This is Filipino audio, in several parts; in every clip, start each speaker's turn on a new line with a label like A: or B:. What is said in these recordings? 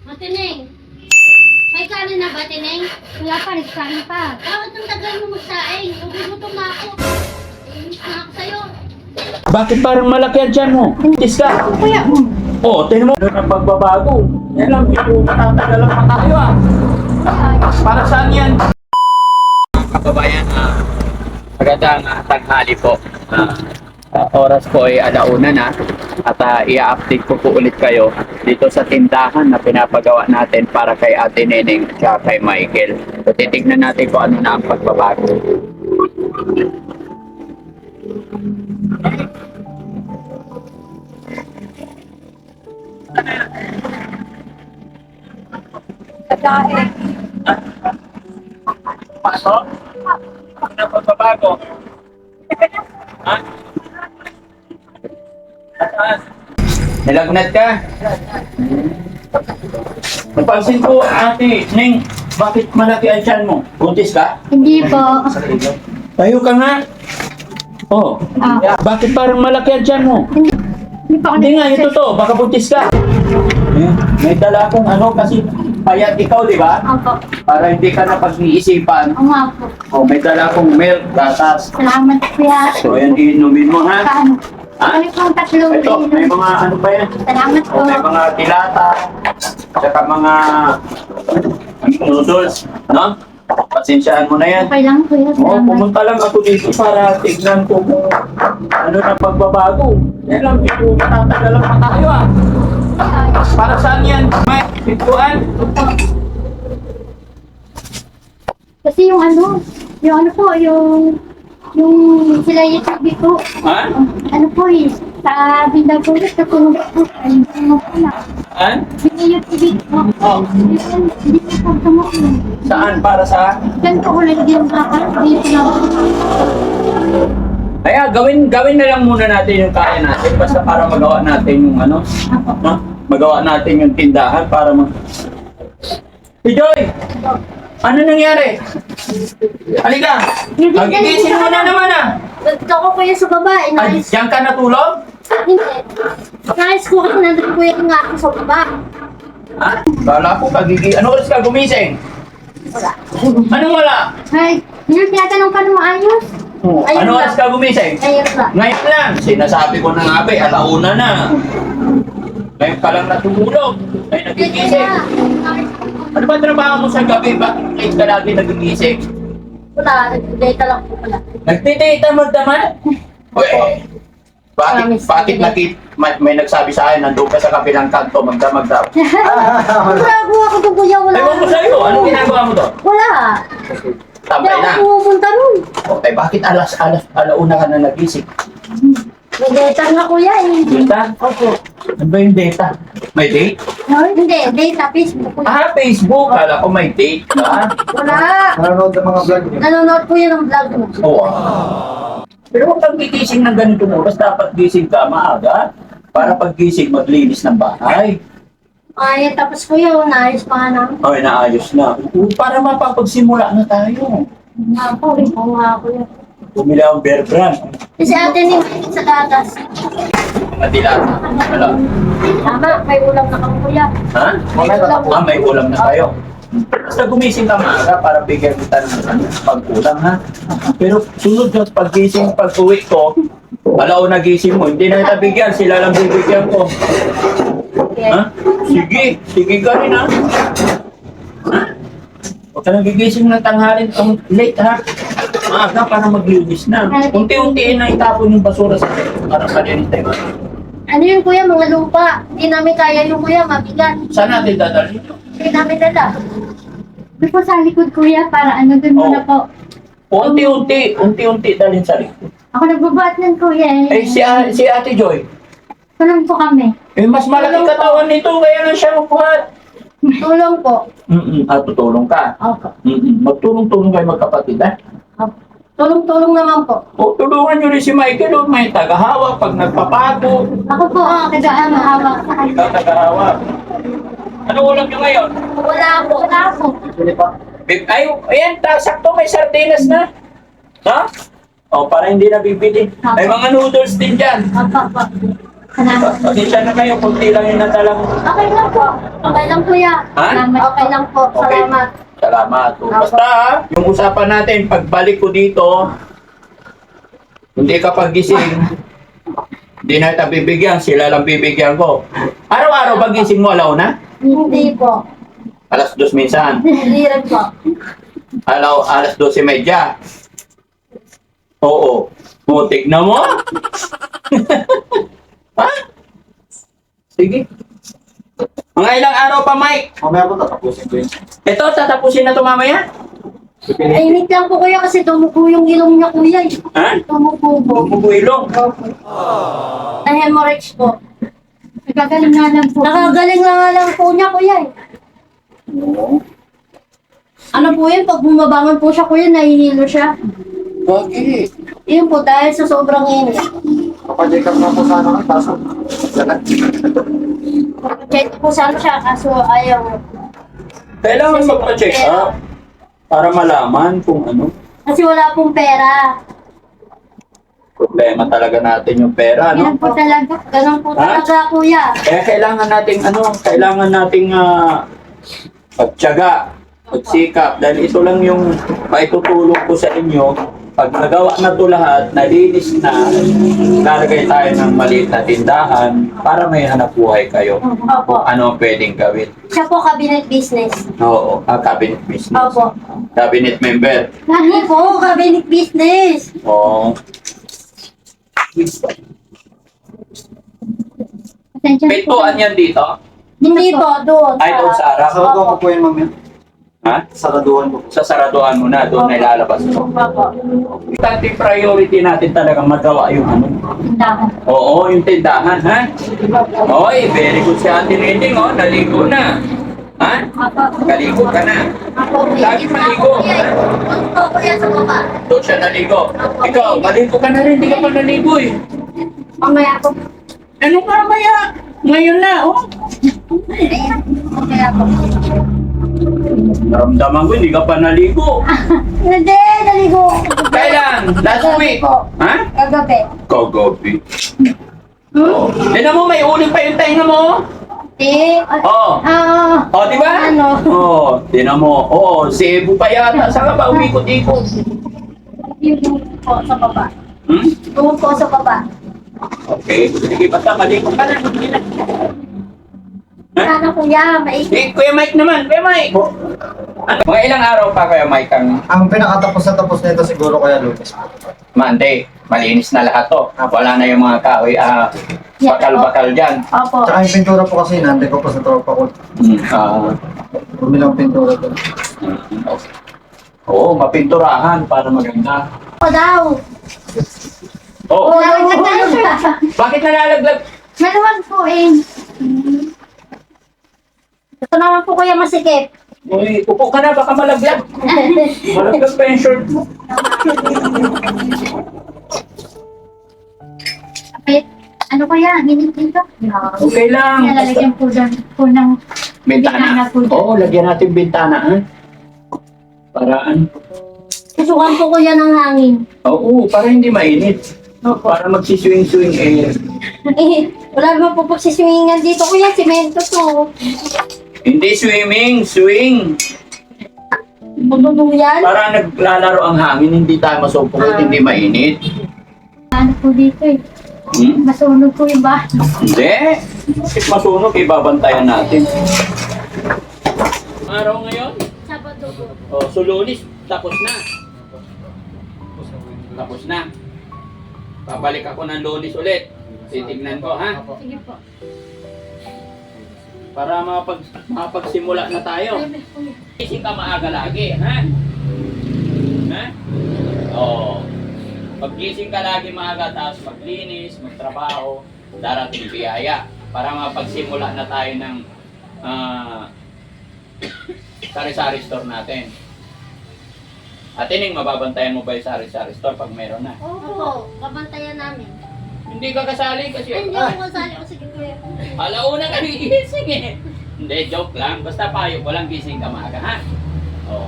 A: Matineng, may kanin na ba, Tineng?
B: Wala pa, nagsasain pa.
A: Bakit ang tagal mo magsaing? Gugutom na ako. Inis na ako sa'yo.
C: Bakit parang malaki ang tiyan mo? Tis ka.
B: Kuya,
C: Oo, tinan mo. Doon ang pagbabago. Yan lang, hindi matatagalan pa tayo ah. Para saan yan? Kababayan, magandang tanghali po. Oras po ay 1:00 na at i-update ko po ulit kayo dito sa tindahan na pinapagawa natin para kay Ate Neneng at kay Michael. So, titignan natin kung ano na ang pagbabago.
B: kagain.
C: Paano? Ano ang pagbabago? Ha? Nilagnat ka? Napansin ko, Ate Neng, bakit malaki ang tiyan mo? Buntis ka?
B: Hindi po.
C: Tayo ka nga. Oh, bakit parang malaki ang tiyan mo?
B: Hindi pa ako
C: Hindi nga, ito to, baka buntis ka. May dala akong ano kasi payat ikaw, di ba?
B: Opo.
C: Para hindi ka na pag-iisipan.
B: Oo nga po.
C: Oh, may dala akong milk, gatas.
B: Salamat kuya.
C: So, yan, inumin mo, ha?
B: Paano?
C: Ha?
B: Ano pong tatlong
C: Ito, may mga ano pa yan?
B: Salamat po.
C: Oh, may mga tilata, saka mga noodles, no? Pasensyaan mo na yan.
B: Okay lang kuya.
C: Oo,
B: Salamat.
C: pumunta lang ako dito para tignan ko kung ano na pagbabago. Yan lang, hindi matatagalan pa tayo ah. Para saan yan? May pintuan?
B: Kasi yung ano po, yung sila yung sabi ko,
C: Ha?
B: ano po eh, sa Bindaw po, sa tulong po, ay tulong po na.
C: Ha?
B: Binay yung TV ko, hindi po po tumukin.
C: Saan? Para sa?
B: Yan po ulit yung kakaroon, hindi po na.
C: Kaya gawin na lang muna natin yung kaya natin basta para magawa natin yung ano, no? Magawa natin yung tindahan para Si Joy! Ano nangyari? Halika! Magigising mo na naman ah!
A: Gusto ko kuya sa baba.
C: Ay, diyan ka natulog?
A: Hindi. Nais ko kasi nandun kuya nga ako sa baba.
C: Ha? Kala ko Ano oras ka gumising?
A: Wala.
C: Anong wala?
B: Ay, yun, tinatanong ka na maayos.
A: Ayun
C: Ano
A: lang.
C: oras ka gumising?
A: Ayun ba?
C: Ngayon lang. Sinasabi ko na nga ba, 1:00 na. Ngayon ka lang natulog. Ay nagigising. Ano ba trabaho mo sa gabi? Bakit late ka lagi nagigising?
A: Wala. Nag-data lang po pala.
C: Nagtitita magdaman? Uy, bakit may nagsabi sa akin, nandun ka sa kabilang kanto, magdamag daw.
A: Grago ako doon kuya. Wala.
C: Ewan ko sa'yo, anong ginagawa mo doon?
A: Wala. Hindi
C: Tambay
A: ako
C: na.
A: pumunta nun.
C: Okay, bakit alauna ka na nagising?
A: Nag-data nga kuya eh.
C: Data?
A: Opo.
C: Ano ba yung data? May date?
A: Hindi, data, Facebook kuya.
C: Ah, Facebook. Kala ko may date ka.
A: Wala.
D: Nanonood ng mga vlog niyo.
A: Nanonood kuya ng vlog mo.
C: Oo. Pero huwag kang gigising ng ganitong oras. Dapat gising ka maaga. Para pag gising, maglinis ng bahay.
A: Ay, tapos kuya, naayos pa nga namin.
C: Ay, naayos na. Para mapapagsimula na tayo.
A: Nga po, oo nga kuya.
C: Bumili akong Bear Brand.
A: Kasi ate ni Mike sa gatas.
C: Mga dilata. Wala.
A: Tama, may ulam na kang kuya.
C: Ha?
A: May ulam.
C: May ulam na tayo. Basta gumising ka maaga para bigyan kita ng pag-ulam, ha? Pero sunod yung pag-gising, pag-uwi ko, alauna gising mo, hindi na kita bigyan, sila lang bibigyan ko. Ha? Sige, sige ka rin, ha? Ha? Huwag ka nang gigising ng tanghalin, late, ha? Maaga para maglinis na. Unti-untiin na itapon yung basura sa para malinis tayo.
A: Ano yun kuya, mga lupa. Hindi namin kaya yung kuya, mabigat.
C: Saan natin dadalhin ito?
A: Hindi namin dala.
B: Doon po sa likod kuya, para ano doon muna
C: Oo.
B: po.
C: Unti-unti dalhin sa likod.
B: Ako nagbabat ng kuya
C: Eh, si Ate Joy,
B: Tulong po kami.
C: eh, mas malaki katawan nito, kaya lang siya mabuhat.
A: Tulong po.
C: Tutulong ka.
A: Opo.
C: Magtulong-tulong kayo magkapatid, ha?
A: Opo. Tulong-tulong naman po.
C: O, tulungan nyo rin si Michael, o, may tagahawak pag nagpapago.
B: Ako po ang hawak sa kanya.
C: Ikaw tagahawak. Ano ulam nyo ngayon?
A: Wala po.
B: Wala po.
C: Ay, ayan, sakto may sardinas na. Ha? O, para hindi na bibili. May mga noodles din dyan.
B: Opo po. Salamat.
C: Pasensya na kayo, kunti lang yung nadalang.
B: Okay lang po. Okay lang kuya.
C: Ha?
B: Salamat. Okay lang po.
C: Okay.
B: Salamat.
C: Salamat. Basta, yung usapan natin, pagbalik ko dito, hindi ka pagising, hindi na kita bibigyan, sila lang bibigyan ko. Araw-araw pagising mo, alauna?
B: Hindi po.
C: Alas 2 minsan.
B: Hindi rin po.
C: Alas 12:30. Oo. Mutik na mo? Ha? Sige. Mga ilang araw pa, Mike?
D: Mamaya po tatapusin ko yun.
C: Ito, tatapusin na ito mamaya?
B: Init lang po kuya kasi tumuko yung ilong niya kuya.
C: Ha?
B: Tumuko po.
C: Bubugilong.
B: Na-hemorrhage po. Nagagaling nga lang po. Nakagaling nga lang po niya kuya. Ano po yun? Pag bumabangon po siya kuya, nahihilo siya.
C: Bakit?
B: Yun po dahil sa sobrang init.
D: Kapag-check up na po sana ng kaso. Lagat.
B: Check po sana siya kaso ayaw.
C: Kailangan magpa-check up para malaman kung ano.
B: Kasi wala pong pera.
C: Problema talaga natin yung pera, no?
B: Ganun po talaga. Ganun po
C: Ha?
B: talaga kuya.
C: Kaya kailangan nating pagtiyaga, pagsikap. Dahil ito lang yung maitutulong ko sa inyo. Pag nagawa na ito lahat, nalinis na, lalagay tayo ng maliit na tindahan para may hanap buhay kayo.
B: Opo.
C: Ano ang pwedeng gawin?
B: Siya po cabinet business.
C: Oo, cabinet business.
B: Opo.
C: Cabinet member.
B: Hindi po, cabinet business.
C: Oo. Pintuan yan dito?
B: Hindi po, doon.
C: Ay, doon sa harap.
D: Saraduhan ko po yun, ma'am.
C: Ha?
D: Saraduhan ko po.
C: Sa saraduhan mo na, doon na ilalabas mo.
B: Opo.
C: Importante priority natin talaga magawa yung ano.
B: Tindahan.
C: Oo, yung tindahan, ha? Oy, very good si Ate Rending, oh. Naligo na. Ha? Naligo ka na. Lagi maligo.
B: Opo, kuya sa baba.
C: Doon siya naligo. Ikaw, maligo ka na rin. Hindi ka pa naligo, eh.
B: Mamaya po.
C: Ano ka maya? Ngayon na, oh.
B: Mamaya po.
C: Naramdaman ko, hindi ka pa naligo.
B: Hindi, naligo.
C: Kailan? Last week? Ha?
B: Kagabi.
C: Kagabi. Oh. Tignan mo, may uling pa yung tenga mo.
B: Eh,
C: Oh. Oh, di ba?
B: Ano?
C: Oh, tignan mo. Oo, Cebu pa yata. Saan ka ba umikot-ikot?
B: Yung po sa baba.
C: Hmm?
B: Yung po sa baba.
C: Okay. Sige, basta maligo ka na.
B: Sana kuya, maikot.
C: Eh, Kuya Mike naman. Kuya Mike. Ano? Mga ilang araw pa, Kuya Mike, ang
D: Ang pinakatapos na tapos nito siguro kaya Lucas po.
C: Monday. Malinis na lahat to. Wala na yung mga kahoy, bakal-bakal dyan.
B: Opo.
D: Tsaka yung pintura po kasi nandun ko po sa tropa ko. Bumilang pintura ko.
C: Oo, mapinturahan para maganda.
B: Ako daw.
C: Oh,
B: Lalaglag na siya.
C: bakit nalalaglag?
B: Meron po eh. Ito naman po kuya masikip.
C: Uy, upo ka na, baka malaglag. Malaglag pa yung short mo.
B: Kapit. Ano kaya? Hinit dito?
C: Okay lang.
B: Nalalagyan po dyan po ng
C: Bintana.
B: po dyan.
C: Oo, lagyan natin bintana, ha? Paraan.
B: Susukan po kuya ng hangin.
C: Oo, para hindi mainit. Para magsiswing-swing air.
B: Eh, wala naman po pagsiswingan dito kuya. Simento to.
C: Hindi swimming, swing.
B: Bubunong yan.
C: Para naglalaro ang hangin, hindi tayo masupukot, hindi mainit.
B: Ano po dito eh.
C: Hmm?
B: Masunog po yung bahay.
C: Hindi. If masunog, ibabantayan natin. Araw ngayon?
B: Sabado po.
C: O, so Lunes, tapos na. Tapos na. Babalik ako ng Lunes ulit. Titignan ko, ha?
B: Sige po.
C: Para makapagsimula na tayo. Gising ka maaga lagi, ha? Ha? Oo. Paggising ka lagi maaga, tapos maglinis, magtrabaho, darating biyaya. Para makapagsimula na tayo ng sari-sari store natin. At ining mababantayan mo ba yung sari-sari store pag meron na?
B: Opo, babantayan namin.
C: Hindi ka kasali kasi
B: Hindi ako kasali ko sige kuya.
C: alauna ka gising eh. Hindi, joke lang. Basta payo ko lang gising ka maaga, ha? Oo.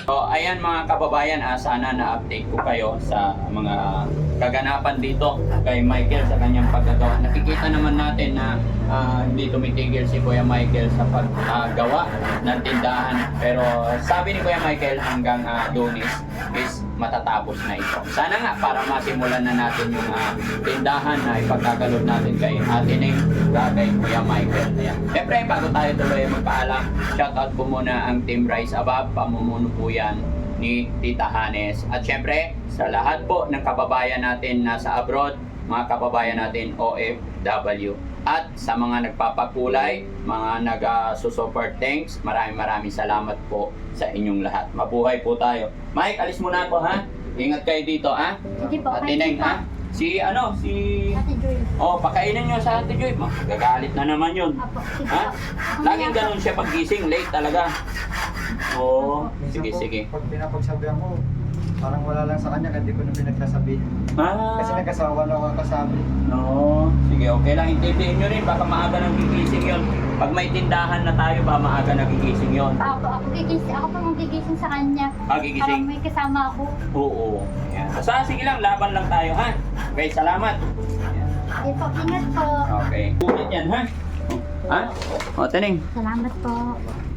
C: So, ayan mga kababayan, sana na-update ko kayo sa mga kaganapan dito kay Michael sa kanyang paggagawa. Nakikita naman natin na hindi tumitigil si Kuya Michael sa paggawa ng tindahan. Pero sabi ni Kuya Michael hanggang Lunes is matatapos na ito. Sana nga para masimulan na natin yung tindahan na ipagkakalod natin kay Ate Neng, kay Kuya Michael. Ayan. Siyempre, bago tayo tuloy magpaalam, shoutout po muna ang Team Rise Above, pamumuno po yan ni Tita Hanes. At syempre, sa lahat po ng kababayan natin nasa abroad, mga kababayan natin OFW. At sa mga nagpapakulay, mga nag-support, thanks. Maraming salamat po sa inyong lahat. Mabuhay po tayo. Mike, alis muna ako ha. Ingat kayo dito ha.
B: Sige po,
C: Ate
B: kayo
C: Neng
B: po.
C: ha. Si
B: Ate Joy.
C: Oh, pakainin nyo sa Ate Joy. Magagalit na naman yun.
B: Apo, sige
C: Ha?
B: po.
C: Laging ganun siya pag gising, late talaga. Oo. Sige, sige.
D: Pag pinapagsabihan ko, parang wala lang sa kanya, hindi ko na pinagsasabi. Kasi
C: Ah,
D: nagkasawa lang ako kasabi.
C: no. Sige, okay lang. Intindihin nyo rin. Baka maaga nang gigising yun. Pag may tindahan na tayo, baka maaga nang gigising yun.
B: Ako pa magigising sa kanya.
C: Ah,
B: Parang
C: gigising?
B: may kasama ako.
C: Oo. Yan. Basta, sige lang. Laban lang tayo, ha? Okay, salamat. Yan.
B: Sige po, ingat po.
C: Okay. Ulit yan, ha? Ha? O, Taneng.
B: Salamat po.